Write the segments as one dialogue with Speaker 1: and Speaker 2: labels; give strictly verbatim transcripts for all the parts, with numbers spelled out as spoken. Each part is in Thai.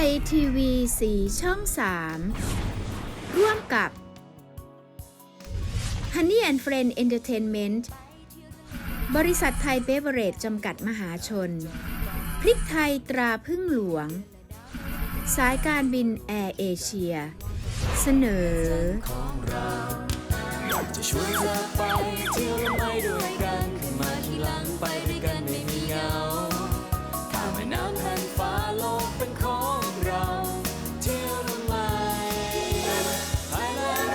Speaker 1: ยทีวีสีช่องสามร่วมกับ Honey and Friend Entertainment บริษัทไทยเบเวอเรจจำกัดมหาชนพริกไทยตราพึ่งหลวงสายการบินแอร์เอเชียเสนอ
Speaker 2: จะชวนเธอไปเที่ยวและไปด้วยกันขึ้นมาที่หลังไปด้วยกันไม่มีเหงาข้ามแม่น้ำแผ่านฟ้าโลกเป็นของเราเที่ยวทำไมไทยแลนด์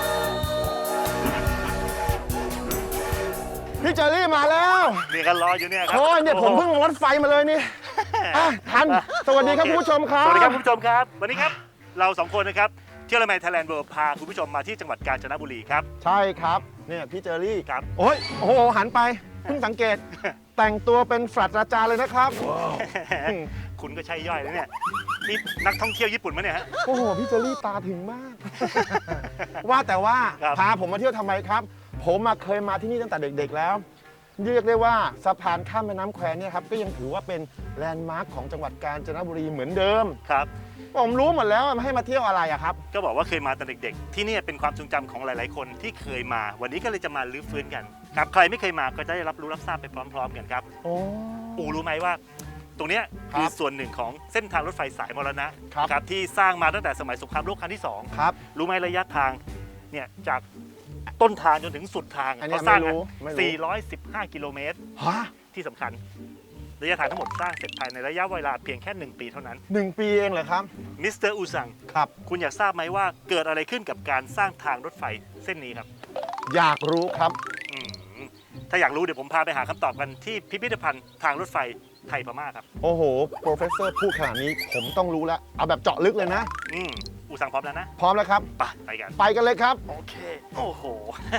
Speaker 3: พี่เจอรี่มาแล้ว
Speaker 4: นี่กันรออยู่เนี่ยครับ
Speaker 3: โอ้ยเนี่ยผมเพิ่งลงรถไฟมาเลยนี่อ่ะทันสวัสดีครับคุณผู้ชมครับ
Speaker 4: สวัสดีครับคุณผู้ชมครับวันนี้ครับเราสองคนนะครับเที่ยวละไมไทยแลนด์เวิลด์พาคุณผู้ชมมาที่จังหวัดกาญจนบุรีครับ
Speaker 3: ใช่ครับเนี่ยพี่เจอรี่
Speaker 4: ครับ
Speaker 3: โอ้ยโอ้โหหันไปเพิ่งสังเกต แต่งตัวเป็นศาสตราจารย์เลยนะครับ
Speaker 4: คุณก็ใช่ย่อยแล้วเนี่ยนี่นักท่องเที่ยวญี่ปุ่นมั้ยเนี่ยฮะ
Speaker 3: โอ้โหพี่เจอรี่ตาถึงมาก ว่าแต่ว่า
Speaker 4: ครับ
Speaker 3: พาผมมาเที่ยวทำไมครับ ผมมาเคยมาที่นี่ตั้งแต่เด็กๆแล้วเรียกได้ว่าสะพานข้ามแม่น้ำแควเนี่ยครับก็ยังถือว่าเป็นแลนด์มาร์คของจังหวัดกาญจนบุรีเหมือนเดิม
Speaker 4: ครับ
Speaker 3: ผมรู้หมดแล้วให้มาเที่ยวอะไรอะครับ
Speaker 4: ก็บอกว่าเคยมาตอนเด็กๆที่นี่เป็นความทรงจำของหลายๆคนที่เคยมา วันนี้ก็เลยจะมาลื้อฟื้นกันครับใครไม่เคยมาก็จะได้รับรู้รับทราบไปพร้อมๆกันครับ
Speaker 3: โอ้
Speaker 4: อูรู้ไหมว่า ตรงเนี้ย
Speaker 3: ครับ
Speaker 4: คือส่วนหนึ่งของเส้นทางรถไฟสายมรณะ
Speaker 3: ครับ
Speaker 4: ครับที่สร้างมาตั้งแต่สมัยสงครามโลกครั้งที่สอง
Speaker 3: ครับ
Speaker 4: รู้ไหมระยะทางเนี่ยจากต้นทางจนถึงสุดทาง
Speaker 3: อันเนี้ย
Speaker 4: เขาสร้าง
Speaker 3: ไม่รู้ไม่รู้
Speaker 4: สี่ร้อยสิบห้ากิโลเมตร
Speaker 3: ฮะ
Speaker 4: ที่สำคัญ ระยะทางทั้งหมดสร้างเสร็จภายในระยะเวลาเพียงแค่หนึ่งปีเท่านั้น
Speaker 3: หนึ่งปีเองเหรอครับ
Speaker 4: มิสเตอร์อูซัง
Speaker 3: ครับ
Speaker 4: คุณอยากทราบไหมว่าเกิดอะไรขึ้นกับการสร้างทางรถไฟเส้นนี้ครับ
Speaker 3: อยากรู้ครับ
Speaker 4: อืมถ้าอยากรู้เดี๋ยวผมพาไปหาคำตอบกันที่พิพิธภัณฑ์ทางรถไฟไทยพม่าครับ
Speaker 3: โอ้โห โปรเฟสเซอร์พูดขนาดนี้ผมต้องรู้แล้ว เอาแบบเจาะลึกเลยนะ
Speaker 4: อืมอูซังพร้อมแล้วนะ
Speaker 3: พร้อมแล้วครับ
Speaker 4: ไปไปกัน
Speaker 3: ไปกันเลยครับ
Speaker 4: โอเค โอ้โห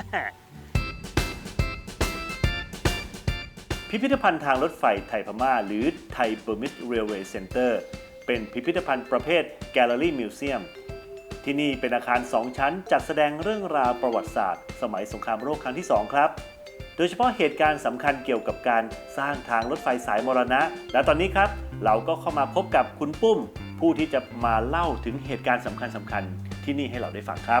Speaker 4: พิพิธภัณฑ์ทางรถไฟไทยพม่าหรือไทยเบอร์มิสเรลเวย์เซ็นเตอร์เป็นพิพิธภัณฑ์ประเภทแกลเลอรี่มิวเซียมที่นี่เป็นอาคารสองชั้นจัดแสดงเรื่องราวประวัติศาสตร์ สมัยสงครามโลกครั้งที่สองครับ โดยเฉพาะเหตุการณ์สำคัญเกี่ยวกับการสร้างทางรถไฟสายมรณะ และตอนนี้ครับเราก็เข้ามาพบกับคุณปุ้ม ผู้ที่จะมาเล่าถึงเหตุการณ์สำคัญสำคัญที่นี่ให้เราได้ฟังครับ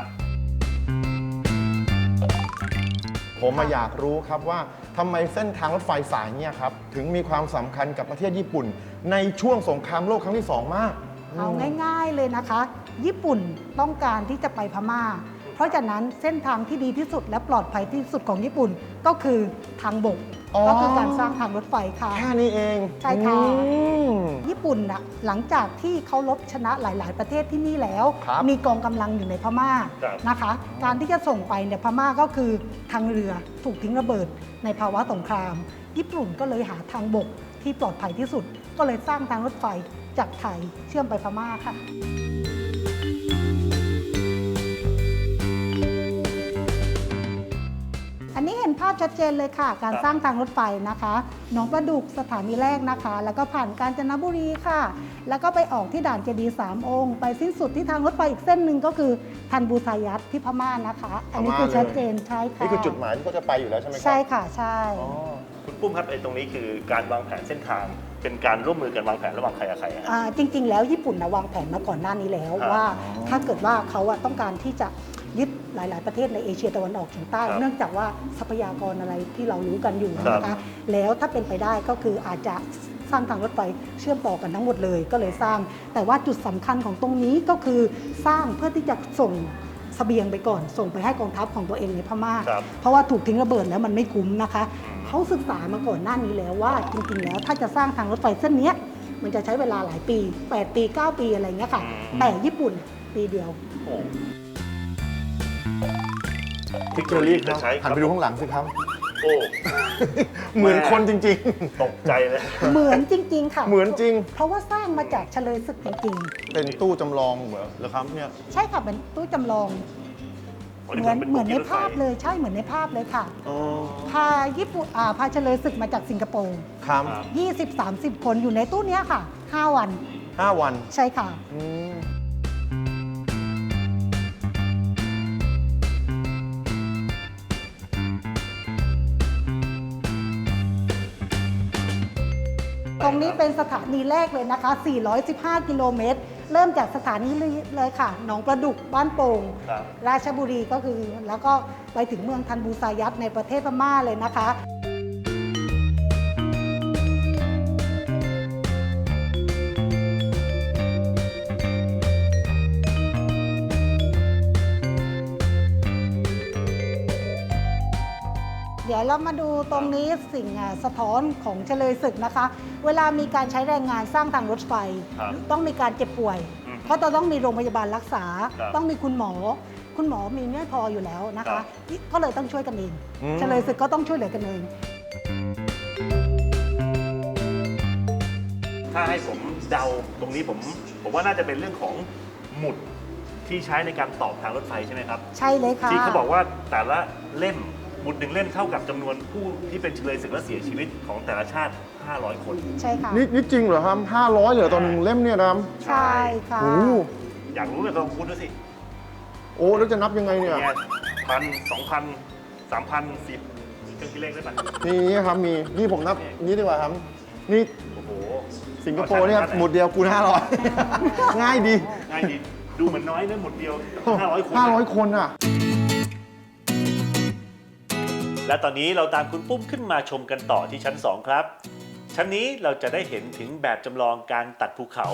Speaker 3: ผมมาอยากรู้ครับว่าทำไมเส้นทางรถไฟสายเนี่ยครับถึงมีความสำคัญกับประเทศญี่ปุ่น ในช่วงสงครามโลกครั้งที่สองมาก
Speaker 5: เอาง่ายๆเลยนะคะ ญี่ปุ่นต้องการที่จะไปพม่า เพราะฉะนั้นเส้นทางที่ดีที่สุดและปลอดภัยที่สุดของญี่ปุ่นก็คือทางบก
Speaker 3: อ๋อ
Speaker 5: ก็คือการสร้างทางรถไฟค่ะ
Speaker 3: แค่นี้เอง
Speaker 5: ใช่ค่ะ
Speaker 3: อืม
Speaker 5: ญี่ปุ่นน่ะหลังจากที่เขาลบชนะหลาย ๆ ประเทศที่นี่แล้ว
Speaker 3: ครับ
Speaker 5: มีกองกำลังอยู่ในพม่า
Speaker 4: ครับ
Speaker 5: นะคะ การที่จะส่งไปเนี่ยพม่าก็คือทางเรือถูกทิ้งระเบิดในภาวะสงคราม ญี่ปุ่นก็เลยหาทางบกที่ปลอดภัยที่สุด ก็เลยสร้างทางรถไฟจากไทยเชื่อมไปพม่าค่ะ อันนี้เห็นภาพชัดเจนเลยค่ะ การ
Speaker 4: ครับ
Speaker 5: สร้างทางรถไฟนะคะหนองประดุกสถานีแรกนะคะ แล้วก็ผ่านกาญจนบุรีค่ะ แล้วก็ไปออกที่ด่านเจดีย์สามองค์ ไปสิ้นสุดที่ทางรถไฟอีกเส้นหนึ่งก็คือทันบูซายัตที่พม่านะคะ อันนี้คือชัดเจนใช่ค่ะ
Speaker 3: นี่คือจุดหมายที่เขาจะไปอยู่แล้วใช่ไหมครับ
Speaker 5: ใช่ค่ะใช่
Speaker 3: อ๋อ
Speaker 4: คุณปุ้มครับไอ้ตรงนี้คือการวางแผนเส้นทาง เป็นการร่วมมือกันวางแผนระหว่างใครกับใครฮะ
Speaker 5: อ่าจริง ๆ แล้วญี่ปุ่นนะวางแผนมาก่อนหน้านี้แล้ว
Speaker 4: ครับ
Speaker 5: ว่าถ้าเกิดว่าเขาอะต้องการที่จะยึดหลาย ๆ ประเทศในเอเชียตะวันออกเฉียงใต้
Speaker 4: ครับ
Speaker 5: เนื่องจากว่าทรัพยากรอะไรที่เรารู้กันอยู่
Speaker 4: ครับ
Speaker 5: นะคะแล้วถ้าเป็นไปได้ก็คืออาจจะสร้างทางรถไฟเชื่อมต่อกันทั้งหมดเลยก็เลยสร้าง แต่ว่าจุดสำคัญของตรงนี้ก็คือสร้างเพื่อที่จะส่งเสบียงไปก่อน ส่งไปให้กองทัพของตัวเองในพม่า
Speaker 4: ครับ
Speaker 5: เพราะว่าถูกทิ้งระเบิดแล้วมันไม่คุ้มนะคะ เขาศึกษามาก่อนหน้านี้แล้วว่าจริงๆแล้วถ้าจะสร้างทางรถไฟเส้นเนี้ยมันจะใช้เวลาหลายปีแปดปีเก้าปีอะไรเงี้ยค่ะ
Speaker 4: อืม
Speaker 5: แต่ญี่ปุ่นปีเดียว
Speaker 4: โอ้
Speaker 3: พี่เจอรี่ครับ
Speaker 4: จะใช้
Speaker 3: หันไปดูข้างหลังสิครับ
Speaker 4: โอ้
Speaker 3: เหมือนคนจริง
Speaker 4: ตกใจเลย
Speaker 5: เหมือนจริง ๆ ค่ะ
Speaker 3: ๆ เหมือนจริง
Speaker 5: เพราะว่าสร้างมาจากเฉลยศึกจริง
Speaker 3: เป็นตู้จำลองเหมือนเหรอครับเนี่ย
Speaker 5: ๆ ใช่ค่ะเป็นตู้จำลอง เหมือนเหมือนในภาพเลยใช่เหมือนในภาพเลยค่ะ
Speaker 3: อ๋อ
Speaker 5: พาญี่ปุ่นอ่าพาเฉลยศึกมาจากสิงคโปร์
Speaker 3: ครับ
Speaker 5: ยี่สิบสามสิบคนอยู่ในตู้เนี้ยค่ะห้าวัน
Speaker 3: ห้าวัน
Speaker 5: ใช่ค่ะ
Speaker 3: อืม
Speaker 5: ตรงนี้เป็นสถานีแรกเลยนะคะ สี่ร้อยสิบห้า กิโลเมตรเริ่มจากสถานีเลยค่ะหนองประดุกบ้านโป่ง
Speaker 4: ครับ
Speaker 5: ราชบุรีก็คือแล้วก็ไปถึงเมืองทันบูซายัตในประเทศพม่าเลยนะคะ เดี๋ยวเรามาดูตรงนี้สิ่งอ่ะสะท้อนของเฉลยศึกนะคะ เวลามีการใช้แรงงานสร้างทางรถไฟ
Speaker 4: ครับ
Speaker 5: ต้องมีการเจ็บป่วย
Speaker 4: อืม
Speaker 5: เพราะจะต้องมีโรงพยาบาลรักษา
Speaker 4: ครับ
Speaker 5: ต้องมีคุณหมอ คุณหมอมีไม่พออยู่แล้วนะ
Speaker 4: ครั
Speaker 5: คะ
Speaker 4: บ
Speaker 5: ก็เลยต้องช่วยกันเอง
Speaker 3: อืม
Speaker 5: เฉลยศึกก็ต้องช่วยเหลือกันเอง
Speaker 4: ถ้าให้ผมเดาตรงนี้ผมผมว่าน่าจะเป็นเรื่องของหมุดที่ใช้ในการตอบทางรถไฟใช่ไหมครับ
Speaker 5: ใช่เลยค่ะ
Speaker 4: ที่เขาบอกว่าแต่ละเล่มหมุดหนึ่งเล่มเท่ากับจำนวนผู้ที่เป็นเฉลยศึกและเสียชีวิตของแต่ละชาติ ห้าร้อย คน
Speaker 5: ใช่ค่ะ
Speaker 3: นี่นี่จริงเหรอครับห้าร้อยเหรอตอนหนึ่งเล่มเนี่ยนะครับ
Speaker 5: ใช่ค่ะ
Speaker 3: โอ้โห
Speaker 4: อยากรู้เลยลองคูณดูสิ
Speaker 3: โอ้แล้วจะนับยังไงเนี่ย
Speaker 4: เนี่ยพันสองพันสามพันสิบเครื่องคิดเลขได้ไหม
Speaker 3: นี่นี่ครับมีนี่ผมนับนี่ดีกว่าครับ นี่
Speaker 4: โอ้โห
Speaker 3: สิงคโปร์เนี่ยครับหมุดเดียวคูณห้าร้อย ง่ายดี
Speaker 4: ง่ายดีดูเหมือนน้อยนะหมุดเดียวห้าร้อยคน
Speaker 3: ห้าร้อยคนอ่ะ
Speaker 4: และตอนนี้เราตามคุณปุ้มขึ้นมาชมกันต่อที่ชั้นสองครับ ชั้นนี้เราจะได้เห็นถึงแบบจำลองการตัดภูเขา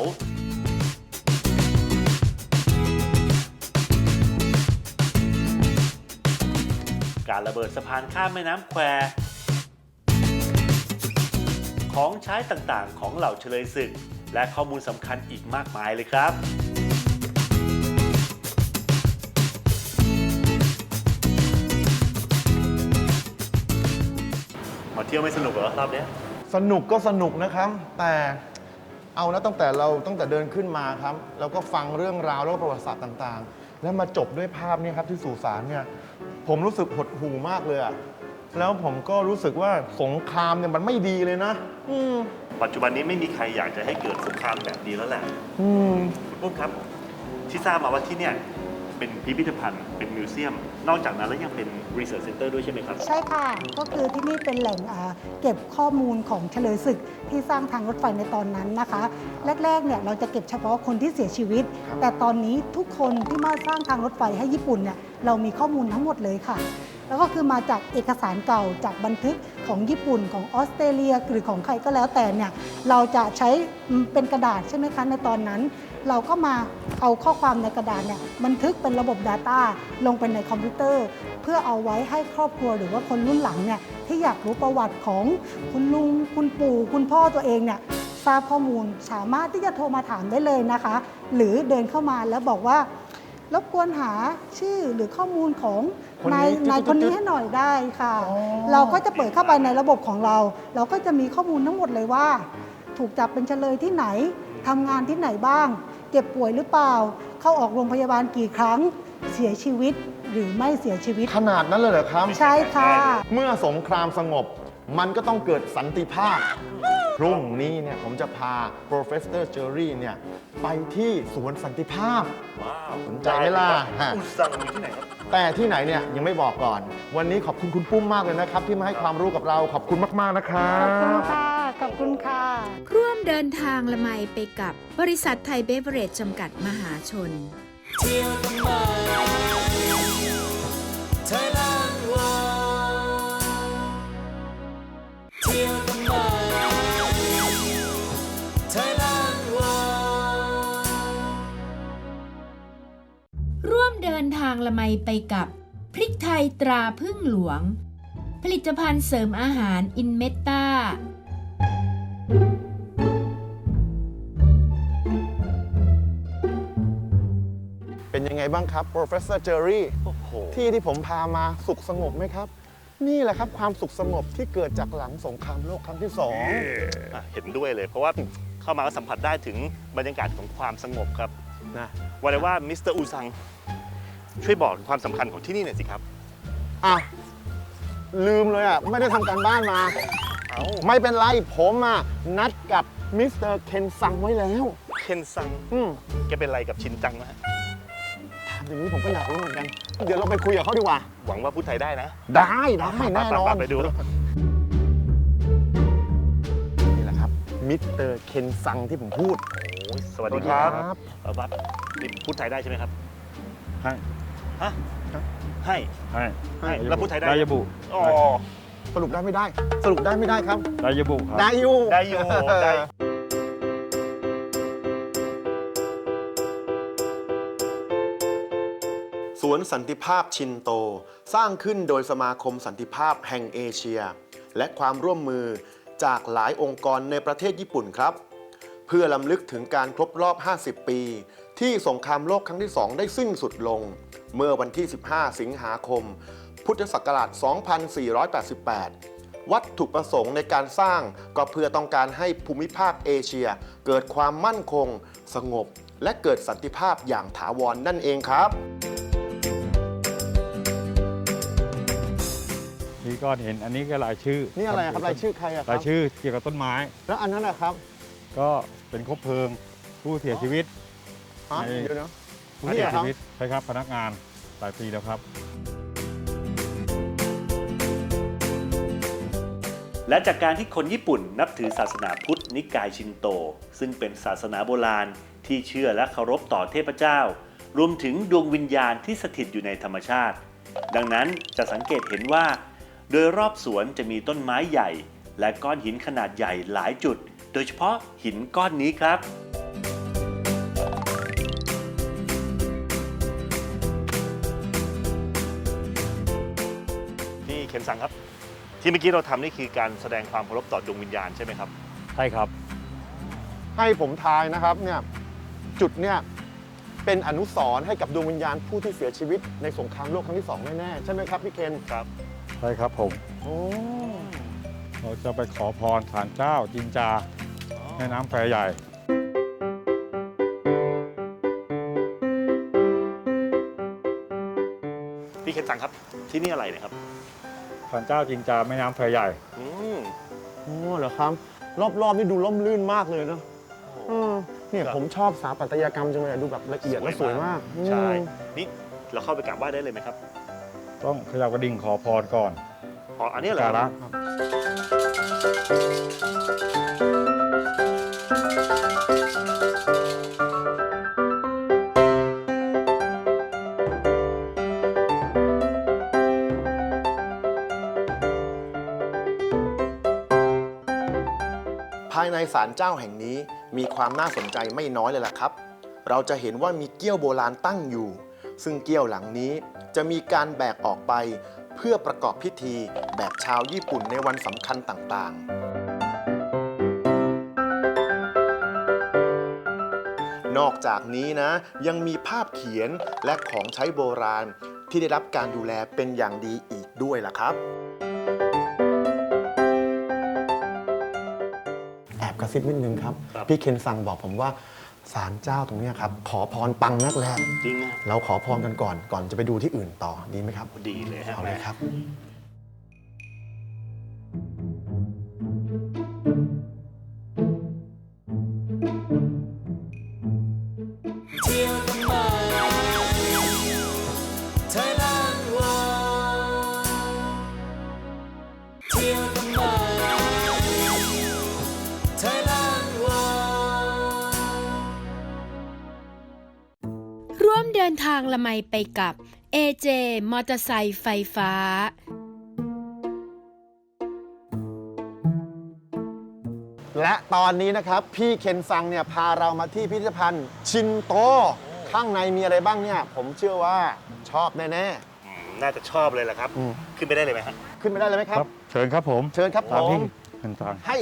Speaker 4: การระเบิดสะพานข้ามแม่น้ำแคว ของใช้ต่างๆ ของเหล่าเฉลยศึก และข้อมูลสำคัญอีกมากมายเลยครับ มาเที่ยวไม่สนุกเหรอรอบเนี้ย
Speaker 3: สนุกก็สนุกนะครับ แต่เอานะตั้งแต่เราตั้งแต่เดินขึ้นมาครับ แล้วก็ฟังเรื่องราวแล้วก็ประวัติศาสตร์ต่างๆ แล้วมาจบด้วยภาพเนี่ยครับที่สุสานเนี่ยผมรู้สึกหดหู่มากเลยอะแล้วผมก็รู้สึกว่าสงครามเนี่ยมันไม่ดีเลยนะอืม
Speaker 4: ปัจจุบันนี้ไม่มีใครอยากจะให้เกิดสงครามแบบนี้แล้วแหละ
Speaker 3: อืม
Speaker 4: คุณปุ้มครับ ที่ทราบมาว่าที่เนี่ยเป็นพิพิธภัณฑ์เป็นมิวเซียม นอกจากนั้นแล้วยังเป็น Research Center ด้วยใช่ไหมครับ
Speaker 5: ใช่ค่ะ ก็คือที่นี่เป็นแหล่งอ่าเก็บข้อมูลของเฉลยศึกที่สร้างทางรถไฟในตอนนั้นนะคะ แรกๆเนี่ยเราจะเก็บเฉพาะคนที่เสียชีวิต แต่ตอนนี้ทุกคนที่มาสร้างทางรถไฟให้ญี่ปุ่นเนี่ยเรามีข้อมูลทั้งหมดเลยค่ะ แล้วก็คือมาจากเอกสารเก่าจากบันทึกของญี่ปุ่นของออสเตรเลียหรือของใครก็แล้วแต่เนี่ยเราจะใช้เป็นกระดาษใช่ไหมคะในตอนนั้น เราก็มาเอาข้อความในกระดาษเนี่ยบันทึกเป็นระบบ Data ลงไปในคอมพิวเตอร์ เพื่อเอาไว้ให้ครอบครัวหรือว่าคนรุ่นหลังเนี่ยที่อยากรู้ประวัติของคุณลุงคุณปู่คุณพ่อตัวเองเนี่ยทราบข้อมูลสามารถที่จะโทรมาถามได้เลยนะคะ หรือเดินเข้ามาแล้วบอกว่ารบกวนหาชื่อหรือข้อมูลของ
Speaker 3: คนนี้
Speaker 5: นาย
Speaker 3: จุดๆๆ
Speaker 5: นายคนนี้ให้หน่อยได้ค่ะ
Speaker 3: อ๋อ
Speaker 5: เราก็จะเปิดเข้าไปในระบบของเรา เราก็จะมีข้อมูลทั้งหมดเลยว่า ถูกจับเป็นเฉลยที่ไหนทำงานที่ไหนบ้าง เจ็บป่วยหรือเปล่า เข้าออกโรงพยาบาลกี่ครั้ง เสียชีวิตหรือไม่เสียชีวิต
Speaker 3: ขนาดนั้นเลยเหรอครับ
Speaker 5: ใช่ค่ะ
Speaker 3: เมื่อสงครามสงบ มันก็ต้องเกิดสันติภาพ พรุ่งนี้เนี่ยผมจะพา Professor Jerry เนี่ยไปที่สวนสันติภาพ
Speaker 4: ว้าว
Speaker 3: สนใจไหมล่ะ
Speaker 4: อุซังอยู่ที่ไหนครับ
Speaker 3: แต่ที่ไหนเนี่ยยังไม่บอกก่อน วันนี้ขอบคุณคุณปุ้มมากเลยนะครับ ที่มาให้ความรู้กับเราขอบคุณมากๆนะครั
Speaker 5: ขอบคุณ
Speaker 3: บ
Speaker 5: ค่ะ ขอบคุณค่ะ
Speaker 1: ร่วมเดินทางละไมไปกับบริษัทไทยเบเวอเรจจำกัดมหาชน
Speaker 2: เที่ยวทำไม Thailand World เที่ยวทำไม Thailand World
Speaker 1: ร่วมเดินทางละไมไปกับพริกไทยตราพึ่งหลวง ผลิตภัณฑ์เสริมอาหารอินเมตตา
Speaker 3: เป็นยังไงบ้างครับ Professor Jerry
Speaker 4: โอ้โห
Speaker 3: ที่ที่ผมพามาสุขสงบไหมครับ นี่แหละครับความสุขสงบที่เกิดจากหลังสงครามโลกครั้งที่สอง
Speaker 4: อ่ะเห็นด้วยเลย เพราะว่าเข้ามาก็สัมผัสได้ถึงบรรยากาศของความสงบครับ
Speaker 3: นะ
Speaker 4: วันนี้ว่ามิสเตอร์อูซังช่วยบอกถึงความสำคัญของที่นี่หน่อยสิครับ
Speaker 3: อ่ะลืมเลยอ่ะ ไม่ได้ทำการบ้านมา
Speaker 4: เอ้า
Speaker 3: ไม่เป็นไร ผมอ่ะ นัดกับมิสเตอร์เคนซังไว้แล้ว
Speaker 4: เคนซัง
Speaker 3: อืม
Speaker 4: แกเป็นอะไรกับชินจังนะฮะ
Speaker 3: ถามอย่างนี้ผมก็อยากรู้เหมือนกัน เดี๋ยวเราไปคุยกับเขาดีกว่า
Speaker 4: หวังว่าพูดไทยได้นะ
Speaker 3: ได้ได้แน่นอน
Speaker 4: ไปดู
Speaker 3: นี่แหละครับมิสเตอร์เคนซังที่ผมพูด
Speaker 4: โอ้ยสวัสดีครับ
Speaker 3: ครับ
Speaker 4: เออบัสนี่พูดไทยได้ใช่ไหมครับ
Speaker 6: ให้
Speaker 4: ฮะให้
Speaker 6: ให้
Speaker 4: ให้แล้วพูดไทยได้
Speaker 6: ได้ยบุ
Speaker 4: อ๋อ
Speaker 3: สรุปได้ไม่ได้ สรุปได้ไม่ได้ครับ
Speaker 6: ได้ยบุครับ
Speaker 3: ได้อยู่
Speaker 4: ได้อยู่ได้
Speaker 3: สวนสันติภาพชินโต สร้างขึ้นโดยสมาคมสันติภาพแห่งเอเชีย และความร่วมมือจากหลายองค์กรในประเทศญี่ปุ่นครับ เพื่อลำลึกถึงการครบรอบ ห้าสิบ ปี ที่สงครามโลกครั้งที่ สอง ได้สิ้นสุดลง เมื่อวันที่ สิบห้า สิงหาคม พุทธศักราช สองพันสี่ร้อยแปดสิบแปด วัตถุประสงค์ในการสร้างก็เพื่อต้องการให้ภูมิภาคเอเชีย เกิดความมั่นคง สงบ และเกิดสันติภาพอย่างถาวรนั่นเองครับ
Speaker 6: นี่ก็เห็นอันนี้ก็รายชื่อ
Speaker 3: นี่อะไรครับรายชื่อใครอะครั
Speaker 6: รา
Speaker 3: บ
Speaker 6: ยชื่อเกี่ยวกับต้นไม้
Speaker 3: แล้วอันนั้นนะครับ
Speaker 6: ก็เป็นคบเพลิงผู้เสียชีวิต
Speaker 3: ฮะ
Speaker 6: ใน
Speaker 3: เดี๋ยวนะ
Speaker 6: ผู้
Speaker 3: นี่
Speaker 6: เสีย
Speaker 3: เหรอครับ
Speaker 6: ชีวิตใช่ครับพนักงานหลายปีแล้วครับ
Speaker 4: และจากการที่คนญี่ปุ่นนับถือศาสนาพุทธนิกายชินโต ซึ่งเป็นศาสนาโบราณที่เชื่อและเคารพต่อเทพเจ้า รวมถึงดวงวิญญาณที่สถิตอยู่ในธรรมชาติ ดังนั้นจะสังเกตเห็นว่า โดยรอบสวนจะมีต้นไม้ใหญ่ และก้อนหินขนาดใหญ่หลายจุด โดยเฉพาะหินก้อนนี้ครับ นี่เคนซังครับ ที่เมื่อกี้เราทำนี่คือการแสดงความเคารพต่อดวงวิญญาณใช่ไหมครับ
Speaker 6: ใช่ครับ
Speaker 3: ให้ผมทายนะครับเนี่ยจุดเนี่ยเป็นอนุสรณ์ให้กับดวงวิญญาณผู้ที่เสียชีวิตในสงครามโลกครั้งที่สองแน่ๆใช่ไหมครับพี่เคน
Speaker 4: ครับ
Speaker 6: ใช่ครับผม
Speaker 3: โอ้
Speaker 6: เราจะไปขอพรศาลเจ้าจินจาแม่น้ำแควใหญ่
Speaker 4: พี่เคนซังครับ ที่นี่อะไรเนะครับ
Speaker 6: ศาลเจ้าจินจาแม่น้ำแควใหญ่
Speaker 4: อืม
Speaker 3: โหเหรอครับ รอบๆนี่ดูร่มรื่นมากเลยเนอะเออเนี่ย
Speaker 4: ครับ
Speaker 3: ผมชอบสถาปัตยกรรมจังเลยดูแบบละเอียดและสวยมาก
Speaker 4: ใช่
Speaker 3: อืม
Speaker 4: นี่เราเข้าไปกราบไหว้ได้เลยไหมครับ
Speaker 6: ต้องเขยับกระดิ่งขอพรก่อน
Speaker 4: อ๋อ อันนี้เหรอ
Speaker 6: การะ
Speaker 3: ครับ ภายในศาลเจ้าแห่งนี้มีความน่าสนใจไม่น้อยเลยล่ะครับ เราจะเห็นว่ามีเกี้ยวโบราณตั้งอยู่ ซึ่งเกี้ยวหลังนี้จะมีการแบกออกไปเพื่อประกอบพิธีแบบชาวญี่ปุ่นในวันสำคัญต่างๆ นอกจากนี้นะยังมีภาพเขียนและของใช้โบราณที่ได้รับการดูแลเป็นอย่างดีอีกด้วยล่ะครับ แอบกระซิบนิดนึงครับ
Speaker 4: ครับ
Speaker 3: พี่เคนซังบอกผมว่าศาลเจ้าตรงเนี้ยครับ ขอพรปังนักแล
Speaker 4: จริงนะ
Speaker 3: เราขอพรกันก่อน ก่อนจะไปดูที่อื่นต่อดีไหมครับ
Speaker 4: ดีเลยฮะ
Speaker 3: เอาเลยครับ
Speaker 2: เที่ยวทำไมไทยแลนด์วอเที่ยวทำไมไทยแลนด์วอ
Speaker 1: ร่วมเดินทางละไมไปกับ เอ เจ มอเตอร์ไซค์ไฟฟ้า
Speaker 3: และตอนนี้นะครับ พี่เคนซังเนี่ยพาเรามาที่พิพิธภัณฑ์ชินโต ข้างในมีอะไรบ้างเนี่ย ผมเชื่อว่าชอบแน่
Speaker 4: อืมน่าจะชอบเลยแหละครับ
Speaker 3: อืม
Speaker 4: ขึ้นไปได้เลยไหมฮะ
Speaker 3: ๆ ขึ้นไปได้เลยไหมค
Speaker 6: ค
Speaker 3: รั
Speaker 6: รับ บ เชิญครับผม
Speaker 3: เชิญครับผ
Speaker 6: ตามที่
Speaker 3: ม
Speaker 6: เห็นทาง
Speaker 3: ให้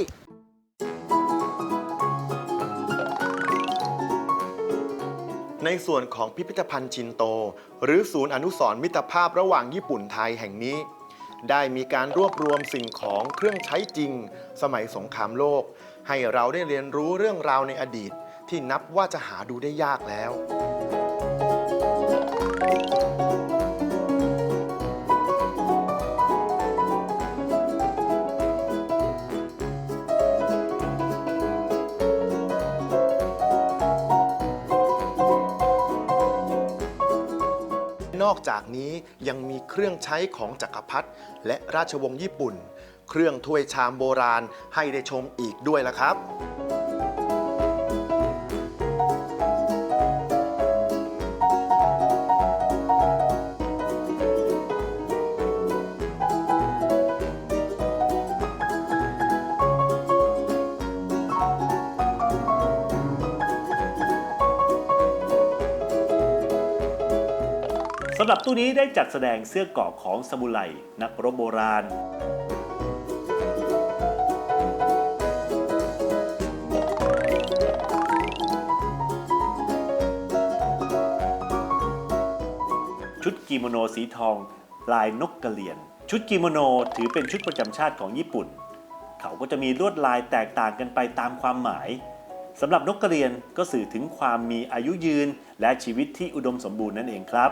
Speaker 3: ในส่วนของพิพิธภัณฑ์ชินโต หรือศูนย์อนุสรณ์มิตรภาพระหว่างญี่ปุ่นไทยแห่งนี้ ได้มีการรวบรวมสิ่งของเครื่องใช้จริง สมัยสงครามโลก ให้เราได้เรียนรู้เรื่องราวในอดีต ที่นับว่าจะหาดูได้ยากแล้ว นอกจากนี้ยังมีเครื่องใช้ของจักรพรรดิและราชวงศ์ญี่ปุ่น เครื่องถ้วยชามโบราณให้ได้ชมอีกด้วยล่ะครับ
Speaker 4: สำหรับตู้นี้ได้จัดแสดงเสื้อเกราะของซามูไรนักรบโบราณ ชุดกิโมโนสีทองลายนกกระเหรี่ยงชุดกิโมโนถือเป็นชุดประจำชาติของญี่ปุ่น เขาก็จะมีลวดลายแตกต่างกันไปตามความหมายสำหรับนกกระเหรี่ยงก็สื่อถึงความมีอายุยืนและชีวิตที่อุดมสมบูรณ์นั่นเองครับ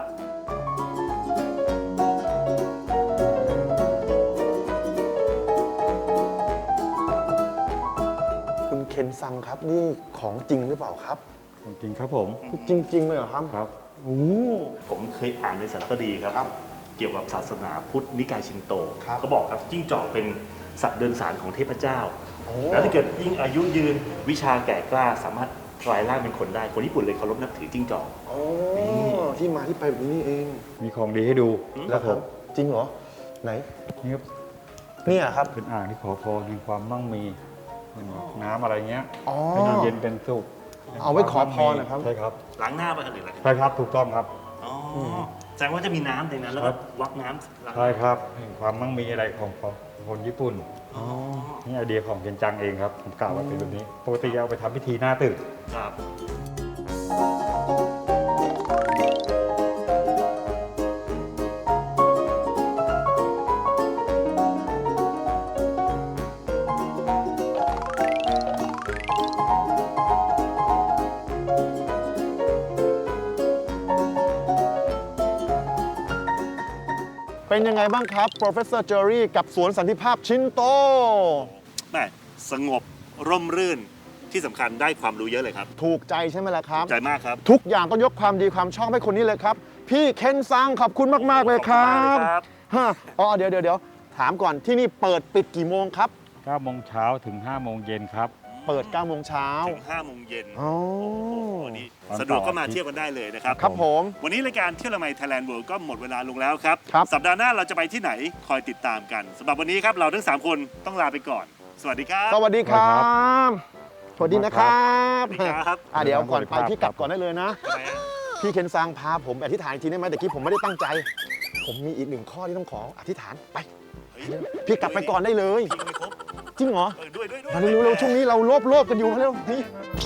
Speaker 3: คุณเคนซังครับนี่ของจริงหรือเปล่าครับ
Speaker 6: จริงๆครับผม
Speaker 3: จริง ๆ เลยเหรอครับ
Speaker 6: ครับ
Speaker 3: โอ้
Speaker 4: ผมเคยอ่านในสารคดีครับ
Speaker 3: ครับ
Speaker 4: เกี่ยวกับศาสนาพุทธนิกายชินโต
Speaker 3: ครับ
Speaker 4: เขาบอกครับจิ้งจอกเป็นสัตว์เดินสารของเทพเจ้า
Speaker 3: โอ้
Speaker 4: แล้วถ้าเกิดยิ่งอายุยืนวิชาแก่กล้าสามารถกลายร่างเป็นคนได้คนญี่ปุ่นเลยเคารพนับถือจิ้งจอก
Speaker 3: โอ้ที่มาที่ไปแบบนี้นี่เอง
Speaker 6: มีของดีให้ดู
Speaker 3: แล้วครับ จริงเหรอ ไหน
Speaker 6: นี่ครับ
Speaker 3: เนี่ยครับ
Speaker 6: เป็นอ่างที่ขอพรแห่งความมั่งมีน้ำอะไรเงี้ย
Speaker 3: อ๋อ
Speaker 6: ให้น้ำเย็นเป็นสุข
Speaker 3: เอาไว้ขอพรนะครับ
Speaker 6: ใช่ครับ
Speaker 4: ล้างหน้าไปหรืออะไร
Speaker 6: ใช่ครับถูกต้องครับ
Speaker 4: อ๋อแสดงว่าจะมีน้ำในนั้นแล้ว
Speaker 6: ครั
Speaker 4: ก็
Speaker 6: บ
Speaker 4: วักน้ำล้างห
Speaker 6: ใช่
Speaker 4: น้า
Speaker 6: ครับแห่งความมั่งมีอะไรของของคนญี่ปุ่น
Speaker 3: อ๋อ
Speaker 6: นี่ไอเดียของเคนจังเองครับผมกล่าวว่าเป็นแบบนี้ปกติเอาไปทำพิธีหน้าตึก
Speaker 4: ครับ
Speaker 3: เป็นยังไงบ้างครับ Professor Jerry กับสวนสันติภาพชินโต
Speaker 4: แม่สงบร่มรื่นที่สำคัญได้ความรู้เยอะเลยครับ
Speaker 3: ถูกใจใช่ไหมล่ะครับ
Speaker 4: ใจมากครับ
Speaker 3: ทุกอย่างต้องยกความดีความชอบให้คนนี้เลยครับ พี่เคนซังขอบคุณมาก ๆ เลยครับ
Speaker 4: ขอบคุณมากเลยครับ
Speaker 3: ฮะอ๋อเดี๋ยวเดี๋ยวเดี๋ยวถามก่อนที่นี่เปิดปิดกี่โมงครับ
Speaker 6: เก้าโมงเช้าถึงห้าโมงเย็นครับ
Speaker 3: เปิดเก้าโมงเช้า
Speaker 4: ถึงห้าโมงเย็น
Speaker 3: อ๋อ
Speaker 4: วันนี้สะดวกก็มาเที่ยวกันได้เลยนะครับ
Speaker 3: ครับผม
Speaker 4: วันนี้รายการเที่ยวละไมไทยแลนด์เวิลด์ก็หมดเวลาลงแล้วครับ
Speaker 3: ครับ
Speaker 4: สัปดาห์หน้าเราจะไปที่ไหนคอยติดตามกันสำหรับวันนี้ครับเราทั้งสามคนต้องลาไปก่อน สวัสดีครับ
Speaker 3: สวัสดีครับ สวัสดีนะครับ
Speaker 4: สวัสดีครับ
Speaker 3: อ่ะเดี๋ยวก่อนไปพี่กลับก่อนได้เลยนะ
Speaker 4: ทำไมฮะ
Speaker 3: พี่เคนซังพาผมไปอธิษฐานอีกทีได้ไหมแต่กี้ผมไม่ได้ตั้งใจ ผมมีอีกหนึ่งข้อที่ต้องขออธิษฐานไป
Speaker 4: เฮ้ย
Speaker 3: พี่กลับไปก่อนได้เลย
Speaker 4: จริงไม่ครบ
Speaker 3: จริงเหรอ
Speaker 4: เออด้วยด้วยด้วย
Speaker 3: มาเร็วๆช่วงนี้เราโลภโลภกันอยู่มาเร็วนี่